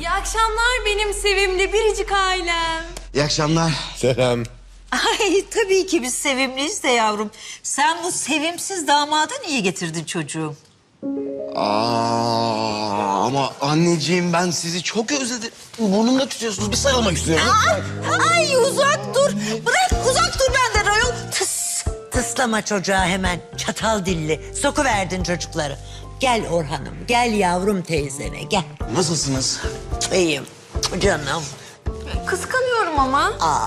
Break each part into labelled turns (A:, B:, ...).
A: İyi akşamlar benim sevimli biricik ailem.
B: İyi akşamlar.
C: Selam.
D: Ay tabii ki biz sevimliyiz de yavrum. Sen bu sevimsiz damadı niye getirdin çocuğum?
B: Ama anneciğim ben sizi çok özledim. Burnumda tutuyorsunuz. Bir sarılmak istiyorum.
D: Ay uzak dur. Bırak uzak dur benden ayol. Tıs. Tıslama çocuğa hemen. Çatal dilli. Sokuverdin çocukları. Gel Orhan'ım. Gel yavrum teyzene gel.
B: Nasılsınız?
D: İyiyim canım.
A: Kıskanıyorum ama.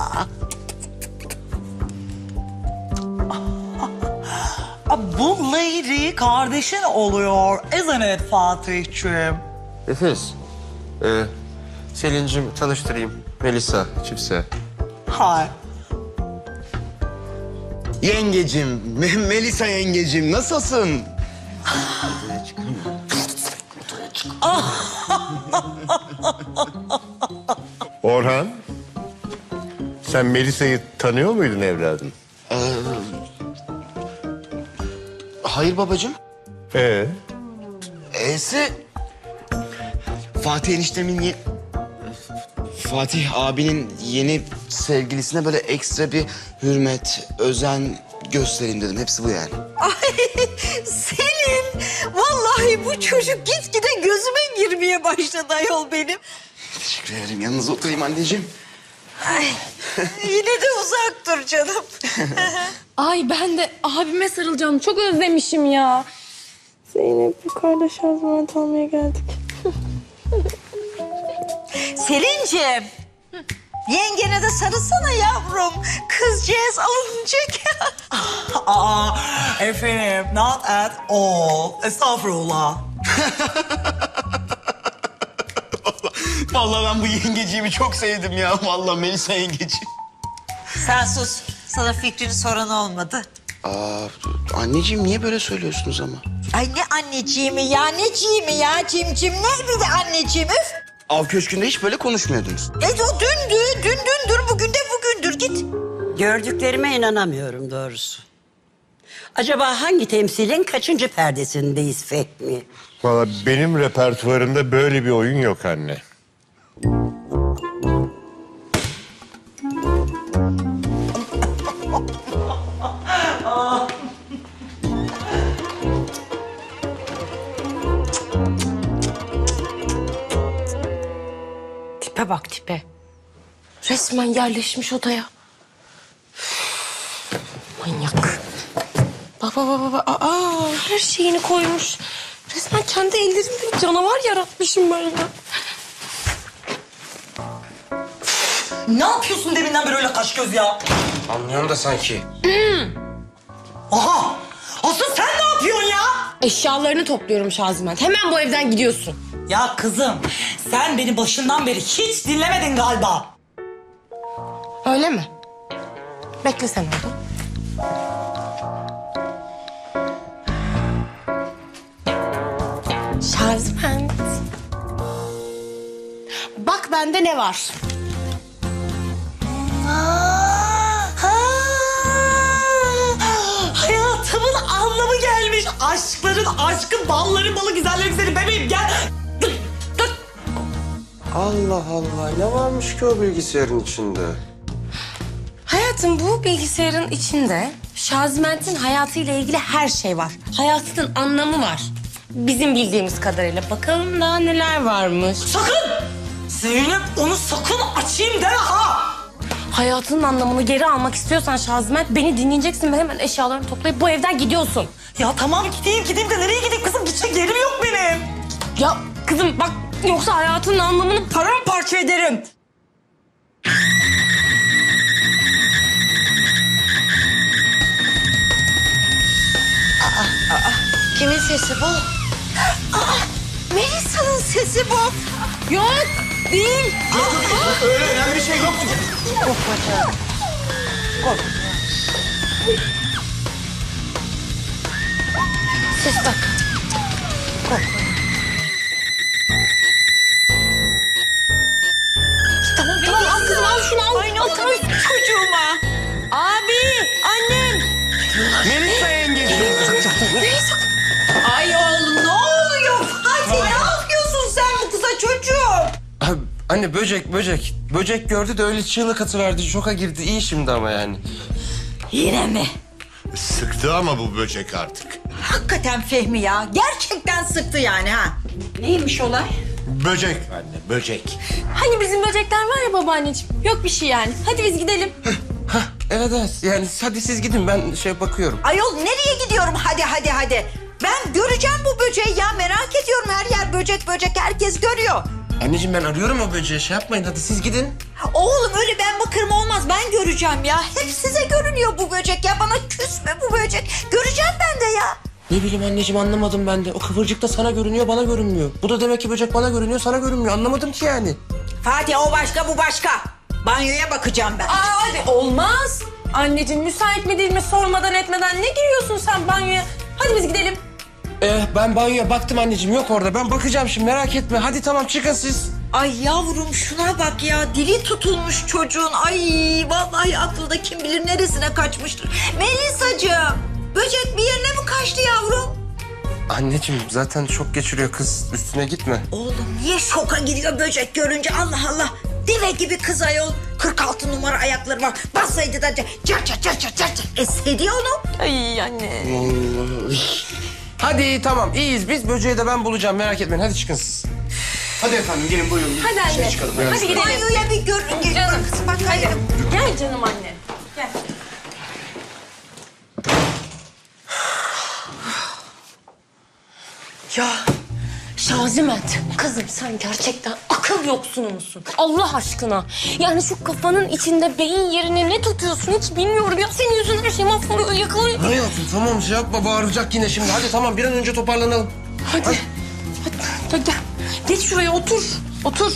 E: Bu lady kardeşin oluyor. Isn't it Fatih'ciğim?
C: Nefes. Selin'cim tanıştırayım. Melisa, Çipse.
E: Hi.
B: Yengecim, Melisa yengecim nasılsın?
C: Orhan. Sen Melisa'yı tanıyor muydun evladım?
B: Hayır babacığım. E'si Fatih eniştemin Fatih abinin yeni sevgilisine böyle ekstra bir hürmet, özen göstereyim dedim. Hepsi bu yani.
D: Ay Selin. Vallahi bu çocuk gitgide gözüme girmeye başladı ayol benim.
B: Teşekkür ederim. Yanınıza oturayım anneciğim.
D: Ay yine de uzak dur canım.
A: Ay ben de abime sarılacağım. Çok özlemişim ya. Zeynep yukarıda şarjman almaya geldik.
D: Selin'ciğim. Yengene de sarılsana yavrum. Kızcağız alınacak.
E: Efendim, not at all. Estağfurullah.
B: Vallahi ben bu yengeciğimi çok sevdim ya. Vallahi Melisa yengeciğim.
D: Sen sus. Sana fikrini soran olmadı.
B: Anneciğim niye böyle söylüyorsunuz ama?
D: Ay ne anneciğimi ya, neciğimi ya, cimcim. Nerede de anneciğim üf.
B: Av köşkünde hiç böyle konuşmuyordunuz.
D: O dündür, bugün de bugündür git.
F: Gördüklerime inanamıyorum doğrusu. Acaba hangi temsilin kaçıncı perdesindeyiz Fehmi?
C: Valla benim repertuarımda böyle bir oyun yok anne.
A: Tipe bak tipe. Resmen yerleşmiş odaya. Manyak. Baba. Her şeyini koymuş. Resmen kendi ellerimle bir canavar yaratmışım ben ya.
E: Ne yapıyorsun deminden beri öyle kaş göz ya?
C: Anlıyorum da sanki.
E: Aha! Asıl sen ne yapıyorsun ya?
A: Eşyalarını topluyorum Şaziment. Hemen bu evden gidiyorsun.
E: Ya kızım, sen beni başından beri hiç dinlemedin galiba.
A: Öyle mi? Bekle sen orada. Şaziment. Bak bende ne var?
E: Hayatımın anlamı gelmiş. Aşkların aşkı, balların balı, güzellerin seni bebeğim gel.
C: Allah Allah, ne varmış ki o bilgisayarın içinde?
A: Hayatım bu bilgisayarın içinde Şaziment'in hayatıyla ilgili her şey var. Hayatının anlamı var. Bizim bildiğimiz kadarıyla. Bakalım daha neler varmış.
E: Sakın! Zeynep onu sakın açayım deme ha!
A: Hayatının anlamını geri almak istiyorsan Şaziment beni dinleyeceksin ve hemen eşyalarını toplayıp bu evden gidiyorsun.
E: Ya tamam gideyim de nereye gideyim kızım? Gidecek yerim yok benim.
A: Ya kızım bak yoksa hayatının anlamını paramparça ederim.
D: Kimin sesi bu? Melisa'nın sesi bu.
A: Yok değil.
B: Öyle önemli bir şey yoktu.
A: Ses bak. Tamam al kızım al şunu al.
D: Ay ne oldu çocuğuma? Abi, annem.
B: Melisa yengeciğim.
D: Ay oğlum ne oluyor? Fatih ne yapıyorsun sen bu kıza çocuğum?
G: Anne böcek. Böcek gördü de öyle çığlık atıverdi. Şoka girdi. İyi şimdi ama yani.
D: Yine mi?
C: Sıktı ama bu böcek artık.
H: Hakikaten Fehmi ya. Gerçekten sıktı yani ha.
F: Neymiş olay?
C: Böcek anne, böcek.
I: Hani bizim böcekler var ya babaanneciğim. Yok bir şey yani. Hadi biz gidelim.
G: Evet. Yani hadi siz gidin. Ben bakıyorum.
H: Ayol nereye gidiyorum? Hadi. Ben göreceğim bu böceği ya. Merak ediyorum. Her yer böcek. Herkes görüyor.
G: Anneciğim ben arıyorum o böceği. Yapmayın hadi siz gidin.
H: Oğlum öyle ben bakarım olmaz. Ben göreceğim ya. Hep size görünüyor bu böcek ya. Bana küs mü bu böcek? Göreceğim ben de ya.
G: Ne bileyim anneciğim anlamadım ben de. O kıvırcık da sana görünüyor, bana görünmüyor. Bu da demek ki böcek bana görünüyor, sana görünmüyor. Anlamadım ki yani.
H: Fatih o başka bu başka. Banyoya bakacağım ben.
I: Hadi olmaz. Anneciğim müsait mi değil mi sormadan etmeden ne giriyorsun sen banyoya? Hadi biz gidelim.
G: Ben banyoya baktım anneciğim. Yok orada. Ben bakacağım şimdi merak etme. Hadi tamam çıkın siz.
H: Ay yavrum şuna bak ya. Dili tutulmuş çocuğun. Ay vallahi aklı da kim bilir neresine kaçmıştır. Melisacığım böcek bir yerine mi kaçtı yavrum?
G: Anneciğim zaten şok geçiriyor kız. Üstüne gitme.
H: Oğlum niye şoka gidiyor böcek görünce? Allah Allah. Deve gibi kız ayol. 46 numara ayakları var. Bassaydı da car. Esseydi onu.
I: Ay anne.
G: Hadi tamam iyiyiz biz. Böceği de ben bulacağım merak etmeyin. Hadi çıkın siz.
B: Hadi efendim gelin buyurun.
I: Hadi anne. Hadi gidelim.
H: Banyoya bir gör.
I: Canım.
H: Bak hayır.
I: Gel canım anne. Gel.
A: Ya Şazimet, kızım sen gerçekten akıl yoksunu musun? Allah aşkına. Yani şu kafanın içinde beyin yerine ne tutuyorsun hiç bilmiyorum. Ya senin yüzünden her şey mahvoluyor, yakılıyor.
G: Hayatım tamam yapma bağıracak yine şimdi. Hadi tamam bir an önce toparlanalım.
A: Hadi gel. Geç şuraya otur. Otur.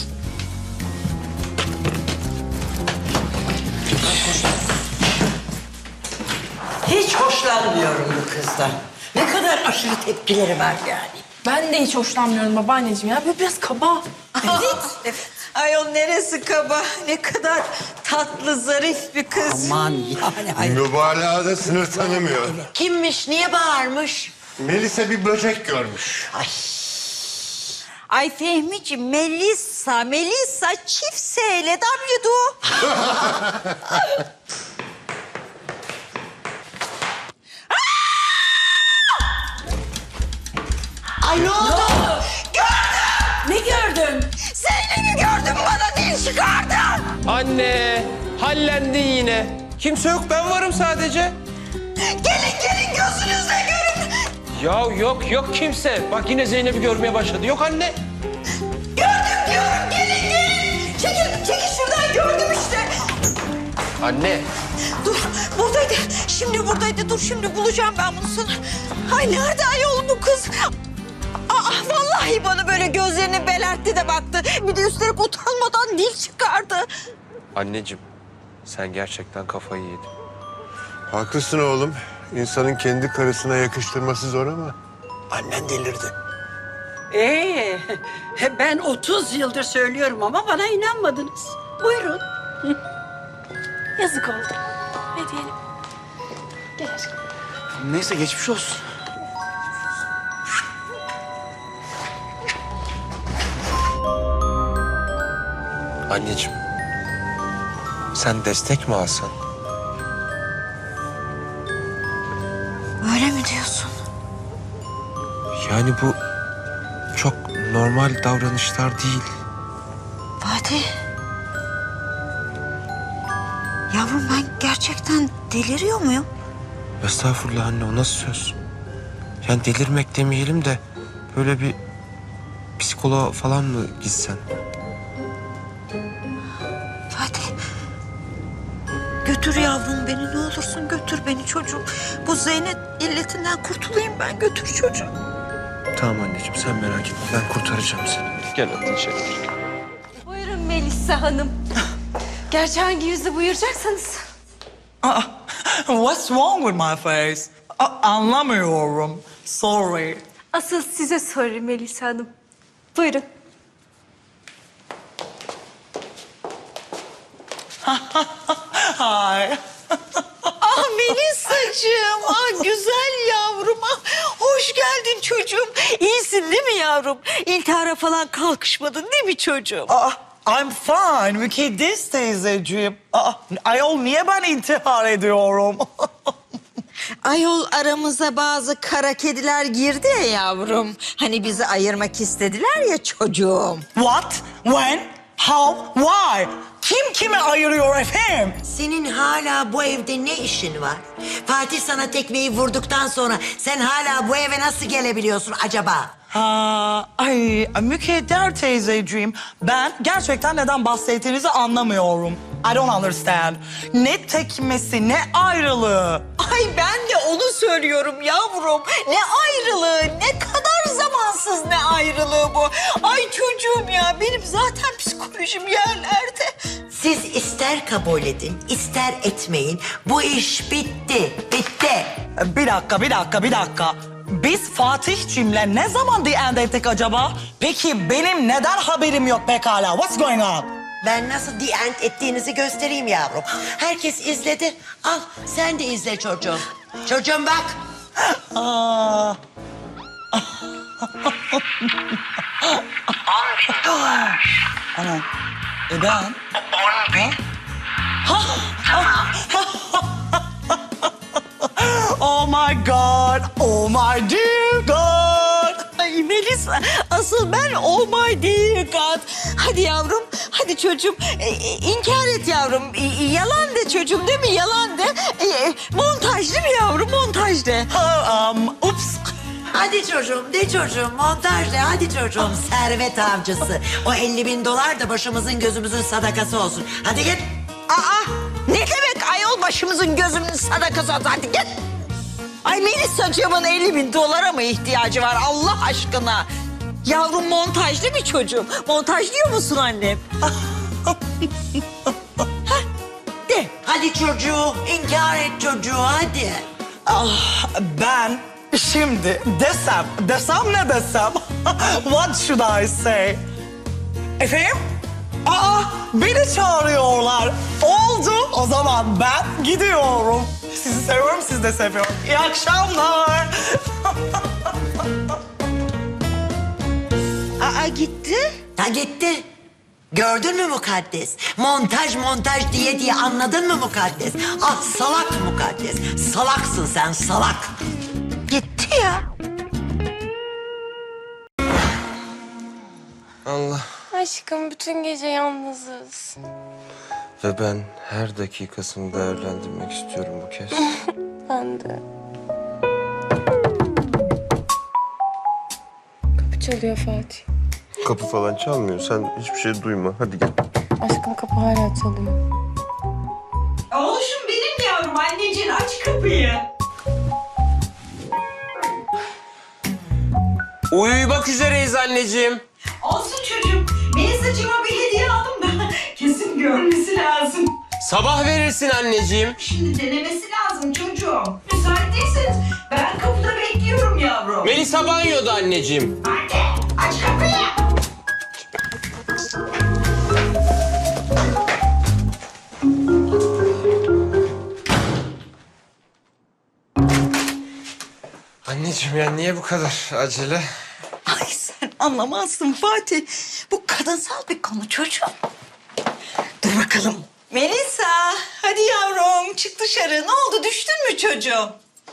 F: Hiç hoşlanmıyorum bu kızdan. Ne kadar aşırı tepkileri var yani.
I: Ben de hiç hoşlanmıyorum babaanneciğim ya. Böyle biraz kaba.
H: Evet. Ayol neresi kaba? Ne kadar tatlı, zarif bir kız.
F: Aman yani. Ay.
C: Mübalağada sınır tanımıyor.
D: Kimmiş, niye bağırmış?
C: Melisa bir böcek görmüş.
H: Ay Fehmiciğim, Melisa çift S ile W'du.
D: Ay ne oldu?
H: Ne gördün? Zeynep'i gördüm, bana dil çıkardı.
G: Anne hallendin yine. Kimse yok ben varım sadece.
H: Gelin gözünüzle görün.
G: Ya yok kimse. Bak yine Zeynep'i görmeye başladı. Yok anne.
H: Gördüm diyorum, gelin. Çekil şuradan, gördüm işte.
G: Anne.
H: Dur, buradaydı. Şimdi buradaydı. Dur, şimdi bulacağım ben bunu sana. Ay nerede ayol bu kız? Vallahi bana böyle gözlerini belertti de baktı. Bir de üstelik utanmadan dil çıkardı.
G: Anneciğim sen gerçekten kafayı yedin.
C: Haklısın oğlum. İnsanın kendi karısına yakıştırması zor ama annen delirdi.
F: Ben 30 yıldır söylüyorum ama bana inanmadınız. Buyurun.
I: Yazık oldu. Ne diyelim? Gel aşkım.
B: Neyse geçmiş olsun.
G: Anneciğim sen destek mi alsan?
H: Öyle mi diyorsun?
G: Yani bu çok normal davranışlar değil.
H: Fatih. Yavrum ben gerçekten deliriyor muyum?
G: Estağfurullah anne o nasıl söz? Yani delirmek demeyelim de böyle bir psikoloğa falan mı gitsen?
H: Fatih. Götür yavrum beni, ne olursun götür beni çocuğum. Bu Zeynep illetinden kurtulayım ben, götür çocuğum.
G: Tamam anneciğim sen merak etme ben kurtaracağım seni. Gel hadi içeri.
I: Buyurun Melisa Hanım. Gerçi hangi yüzle buyuracaksanız.
E: What's wrong with my face? Anlamıyorum. Sorry.
I: Asıl size sorayım Melisa Hanım. Buyurun.
E: Hi.
H: Melisacığım, güzel yavrum. Hoş geldin çocuğum. İyisin değil mi yavrum? İltihara falan kalkışmadın değil mi çocuğum?
E: I'm fine. Mükaddes teyzeciğim. Ayol niye ben intihar ediyorum?
H: Ayol aramıza bazı kara kediler girdi ya yavrum. Hani bizi ayırmak istediler ya çocuğum.
E: What? When? How? Why? Kim kimi ayırıyor efendim?
D: Senin hala bu evde ne işin var? Fatih sana tekmeyi vurduktan sonra sen hala bu eve nasıl gelebiliyorsun acaba?
E: Ay Mükadder teyzeciğim, ben gerçekten neden bahsettiğinizi anlamıyorum. I don't understand. Ne tekmesi, ne ayrılığı.
H: Ay ben de onu söylüyorum yavrum. Ne ayrılığı, ne kadar zamansız ne ayrılığı bu. Ay çocuğum ya, benim zaten psikolojim yerlerde.
D: Siz ister kabul edin, ister etmeyin. Bu iş bitti, bitti.
E: Bir dakika. Biz Fatih'cimle ne zaman the end ettik acaba? Peki benim neden haberim yok pekala? What's going on?
D: Ben nasıl the end ettiğinizi göstereyim yavrum. Herkes izledi. Al sen de izle çocuğum. Çocuğum bak.
E: Aa. Ana. Ben? Oh my God. Oh my dear God.
H: Ay Melisa, asıl ben oh my dear God. Hadi yavrum, hadi çocuğum. İnkar et yavrum. Yalan de çocuğum, değil mi? Yalan de. Montaj değil mi yavrum? Montaj de.
E: Ups.
D: Hadi çocuğum, de çocuğum. Montaj de, hadi çocuğum. Servet avcısı. O 50.000 dolar da başımızın gözümüzün sadakası olsun. Hadi git.
H: Aa, ne demek ayol başımızın gözümüzün sadakası olsun? Hadi git. Ay Melisacığımın 50.000 dolara mı ihtiyacı var Allah aşkına? Yavrum montaj değil mi çocuğum? Montaj diyor musun annem?
D: De. Hadi çocuğu, inkar et çocuğu, hadi.
E: Ben şimdi desem ne desem? What should I say? Efendim? Beni çağırıyorlar. Oldu. O zaman ben gidiyorum. Sizi seviyorum, siz de seviyorum. İyi akşamlar.
H: Gitti.
D: Ha gitti. Gördün mü Mukaddes? Montaj diye anladın mı Mukaddes? Ah salak Mukaddes. Salaksın sen, salak.
H: Gitti ya.
G: Allah.
A: Aşkım bütün gece yalnızız.
G: Ve ben her dakikasını değerlendirmek istiyorum bu kez.
A: Ben de. Kapı çalıyor Fatih.
G: Kapı falan çalmıyor. Sen hiçbir şey duyma. Hadi gel.
A: Aşkım kapı hala çalıyor.
H: Oğluşum benim yavrum. Anneciğin aç kapıyı.
G: Uyumak üzereyiz anneciğim.
H: Olsun çocuğum. Melisacığıma bir hediye aldım da kesin görmesi lazım.
G: Sabah verirsin anneciğim.
H: Şimdi denemesi lazım çocuğum. Müsait değilseniz ben kapıda bekliyorum yavrum.
G: Melisa banyoda anneciğim.
H: Anne aç kapıyı.
G: Anneciğim ya niye bu kadar acele?
H: Ay sen anlamazsın Fatih. Bu kadınsal bir konu çocuğum. Dur bakalım. Melisa hadi yavrum çık dışarı. Ne oldu düştün mü çocuğum?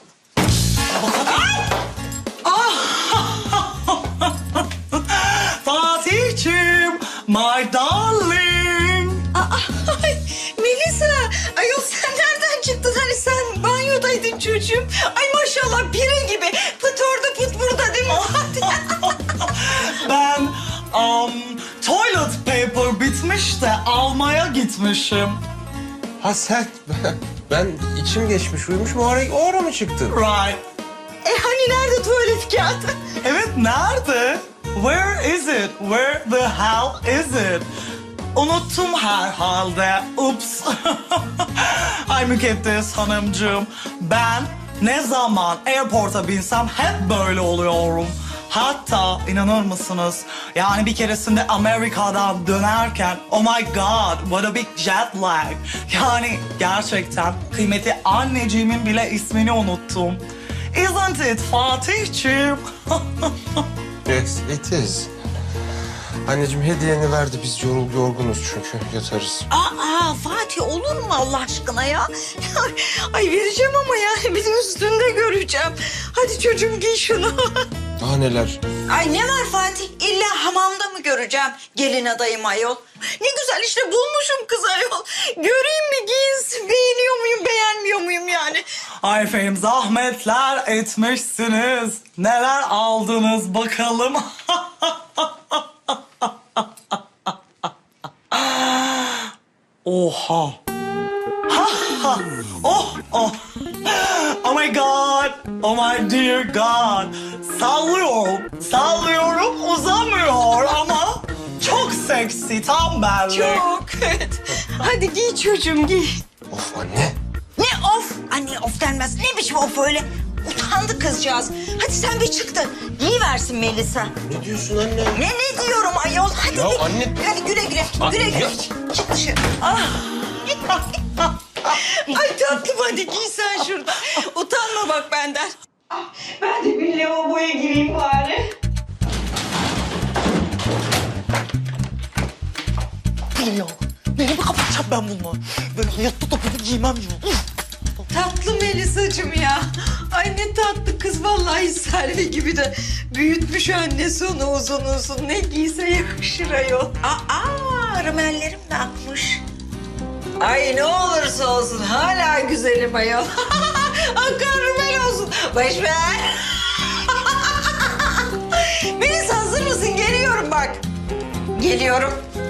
E: Fatih'cim, my darling.
H: Ay Melisa ayol sen nereden çıktın? Hani sen banyodaydın çocuğum. Ay maşallah pire gibi. Pıt orada pıt burada değil mi Fatih?
E: Ben toilet paper bitmiş de almaya gitmişim.
G: Ha sen, ben içim geçmiş uyumuşum. O ara mı çıktın?
E: Right.
H: Hani nerede tuvalet kağıdı?
E: Evet, nerede? Where is it? Where the hell is it? Unuttum herhalde. Ups. Ay Mükaddes hanımcığım. Ben ne zaman airport'a binsem hep böyle oluyorum. Hatta inanır mısınız? Yani bir keresinde Amerika'dan dönerken oh my god what a big jet lag. Yani gerçekten kıymetli anneciğimin bile ismini unuttum. Isn't it Fatih'ciğim?
G: Yes, it is. Anneciğim hediyeni verdi. Biz yorgunuz çünkü yatarız.
H: Aa Fatih olur mu Allah aşkına ya? Ay vereceğim ama yani bir de üstünde göreceğim. Hadi çocuğum giy şunu.
G: Daha neler?
H: Ay ne var Fatih? İlla hamamda mı göreceğim gelin adayım ayol? Ne güzel işte bulmuşum kız ayol. Göreyim mi giyinsin, beğeniyor muyum, beğenmiyor muyum yani?
E: Ay efendim zahmetler etmişsiniz. Neler aldınız bakalım. Oha. Oh. Oh my God. Oh my dear God. Sallıyorum uzamıyor ama çok seksi tam benlik.
H: Çok. Hadi giy çocuğum giy.
G: Of anne.
H: Ne of? Anne of denmez. Ne biçim of öyle? Utandı kızcağız. Hadi sen bir çık da giyiversin Melisa.
G: Ne diyorsun anne?
H: Ne diyorum ayol? Hadi
G: Ya
H: bir-
G: anne-
H: Hadi güle güle. Güle güle.
G: ya-
H: Çık dışarı. Ah. Ay tatlım hadi giy sen şurada. Utanma bak benden. Ben de bir lavaboya gireyim bari.
E: Geliyor. Nereye kapatacağım ben bunu? Böyle hayatta da bunu giymem ya.
H: Tatlı Melisa'cığım ya. Ay ne tatlı kız vallahi Selvi gibi de büyütmüş annesi onu uzun. Ne giyse yakışır ayol. Rümellerim de akmış. Ay ne olursa olsun hala güzelim ayol. Akan rümel olsun. Boş ver. Melisa hazır mısın? Geliyorum bak. Geliyorum.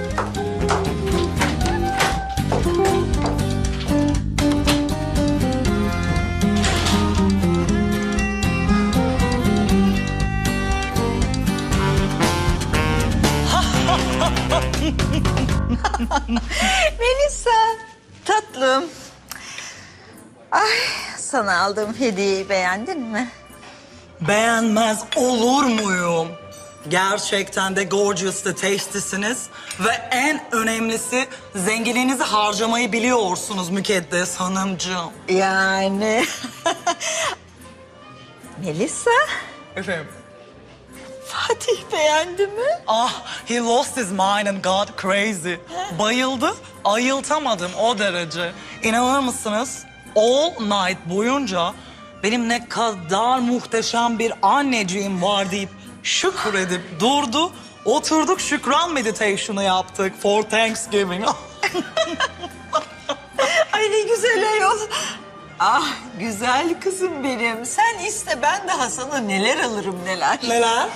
H: Melisa, tatlım. Ay, sana aldığım hediyeyi beğendin mi?
E: Beğenmez olur muyum? Gerçekten de gorgeous ve tasty'siniz. Ve en önemlisi zenginliğinizi harcamayı biliyorsunuz Mükaddes Hanımcığım.
H: Yani. Melisa,
E: Efendim?
H: Fatih beğendi mi?
E: Ah, he lost his mind and got crazy. Bayıldı, ayıltamadım o derece. İnanır mısınız? All night boyunca benim ne kadar muhteşem bir anneciğim var deyip şükredip durdu. Oturduk şükran meditation'ı yaptık for Thanksgiving.
H: Ay ne güzel ayol. Ah güzel kızım benim. Sen iste ben daha sana neler alırım neler.
E: Neler?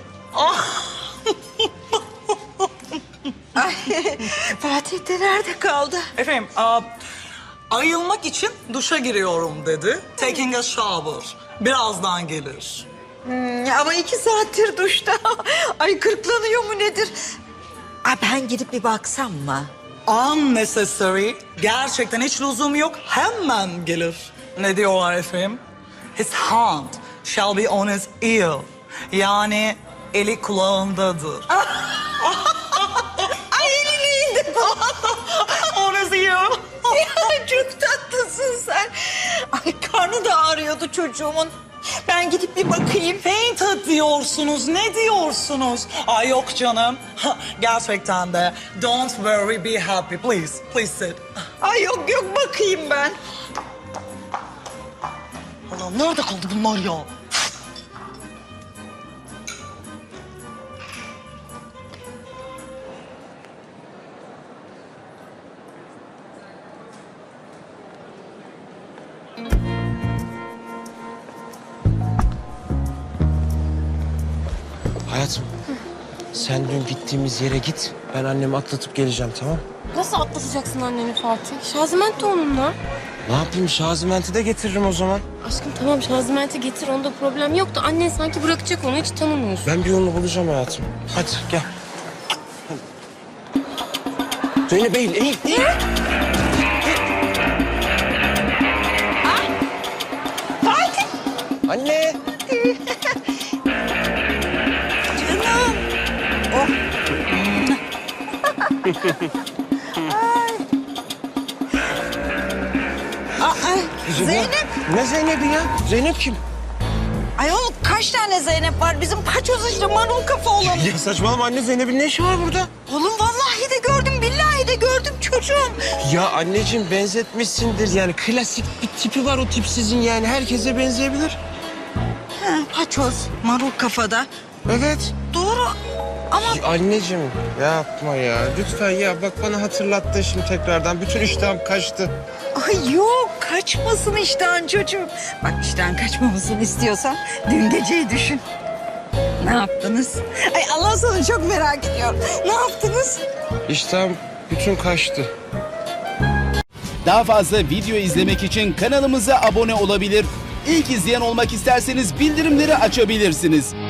H: Ay, Fatih de nerede kaldı?
E: Efendim, ayılmak için duşa giriyorum dedi. Taking a shower. Birazdan gelir.
H: Ama 2 saattir duşta. Ay kırklanıyor mu nedir? Ay, ben gidip bir baksam mı?
E: Unnecessary. Gerçekten hiç lüzum yok. Hemen gelir. Ne diyorlar efendim? His hand shall be on his ear. Yani eli kulağındadır.
H: Ay elini indir.
E: On his ear.
H: Ya, çok tatlısın sen. Ay karnı da ağrıyordu çocuğumun. Ben gidip bir bakayım.
E: Fainted diyorsunuz. Ne diyorsunuz? Ay yok canım. Gerçekten de. Don't worry, be happy. Please, please sit.
H: Ay yok bakayım ben.
E: Allah'ım nerede kaldı bunlar ya?
G: Hayatım. Sen dün gittiğimiz yere git. Ben annemi atlatıp geleceğim, tamam?
A: Nasıl atlatacaksın anneni Fatih? Şaziment de onunla.
G: Ne yapayım? Şazimenti de getiririm o zaman.
A: Aşkım tamam Şaziment'i getir onda problem yok da annen sanki bırakacak onu hiç tanımıyorsun.
G: Ben bir yolunu bulacağım hayatım. Hadi gel. Zeynep eğil.
H: Fatih.
G: Anne.
H: Canım. Oh. Zeynep.
G: Ne Zeynep'i ya? Zeynep kim?
H: Ayol kaç kaç tane Zeynep var? Bizim paçoz işte marul kafa olan.
G: Ya saçmalama anne, Zeynep'in ne işi var burada?
H: Oğlum vallahi de gördüm, billahi de gördüm çocuğum.
G: Ya anneciğim benzetmişsindir yani, klasik bir tipi var o tipsizin, yani herkese benzeyebilir.
H: Ha, paçoz, marul kafada.
G: Evet.
H: Doğru ama
G: Ya anneciğim yapma ya, lütfen ya, bak bana hatırlattın şimdi tekrardan, bütün iştahım kaçtı.
H: ay yok kaçmasın iştahın çocuğum. Bak iştahın kaçmamasını istiyorsan dün geceyi düşün. Ne yaptınız? Ay Allah sana çok merak ediyorum. Ne yaptınız?
G: İştahım bütün kaçtı.
J: Daha fazla video izlemek için kanalımıza abone olabilir. İlk izleyen olmak isterseniz bildirimleri açabilirsiniz.